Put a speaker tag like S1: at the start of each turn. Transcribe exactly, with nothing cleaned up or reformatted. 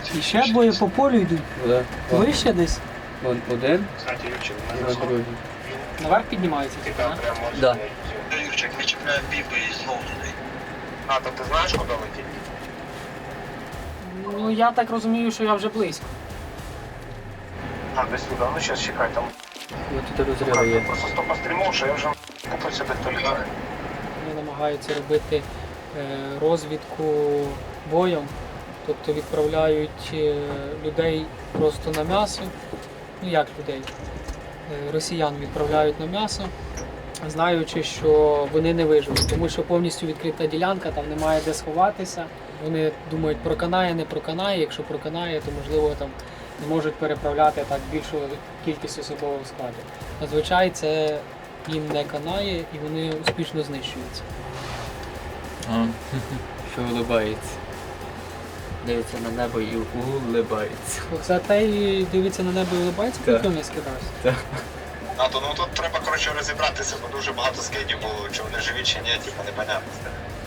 S1: І ще двоє по полю йдуть.
S2: Да.
S1: Вище десь.
S2: Вон один, і на другий.
S1: Наверх піднімається, типу, так?
S2: Да.
S3: Юрчик, ми чіпляємо біби і знову туди. А, то ти знаєш, куди летіти?
S1: Ну я так розумію, що я вже близько.
S3: А, десь туди, ну зараз чекай, там.
S2: Ось тут розриви є.
S3: Просто стопа стрімов, що я вже купив собі хто літає.
S1: Вони намагаються робити е, розвідку боєм, тобто відправляють е, людей просто на м'ясо. Ну як людей? Е, росіян відправляють на м'ясо, знаючи, що вони не виживуть, тому що повністю відкрита ділянка, там немає де сховатися. Вони думають, проканає, не проканає. Якщо проканає, то можливо там не можуть переправляти так більшу кількість особового складу. Зазвичай це їм не канає і вони успішно знищуються.
S2: А, що улибається. Дивиться на небо і улибається.
S1: Це той дивиться на небо і улибається,
S2: Так.
S1: коли не скидався.
S3: А, то ну тут треба, коротше, розібратися, бо дуже багато скидів було, чи вони живі, чи ні, типу, непонятно.